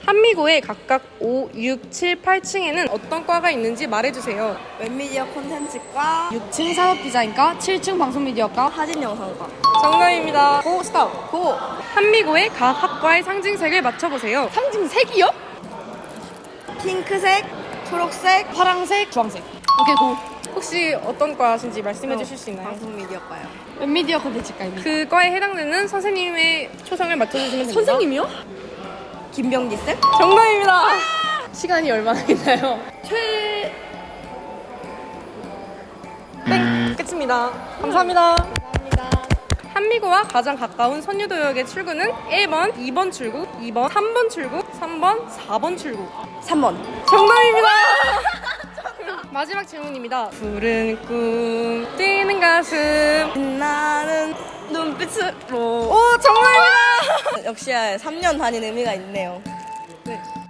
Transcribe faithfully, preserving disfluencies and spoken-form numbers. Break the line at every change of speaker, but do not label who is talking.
한미고의 각각 오, 육, 칠, 팔 층에는 어떤 과가 있는지 말해주세요.
웹미디어 콘텐츠과
육 층 산업디자인과, 칠 층 방송미디어과,
사진영상과.
정답입니다. 고 스톱.
고!
한미고의 각 학과의 상징색을 맞춰보세요.
상징색이요?
핑크색, 초록색,
파랑색, 주황색. 오케이, 고!
혹시 어떤 과신지 말씀해 주실 수 있나요?
방송미디어과요.
웹미디어 콘텐츠과입니다.
그 과에 해당되는 선생님의 초성을 맞춰주시면 됩니다.
선생님이요?
김병지 쌤?
정답입니다. 시간이 얼마나 있나요?
최...
땡! 끝입니다. 감사합니다. 한미고와 가장 가까운 선유도역의 출구는 일 번, 이 번 출구, 이 번, 삼 번 출구, 삼 번, 사 번 출구.
삼 번.
정답입니다. 마지막 질문입니다. 푸른 꿈, 뛰는 가슴.
빛나는 눈빛으로.
오, 정답입니다.
역시 삼 년 다닌 의미가 있네요.
네.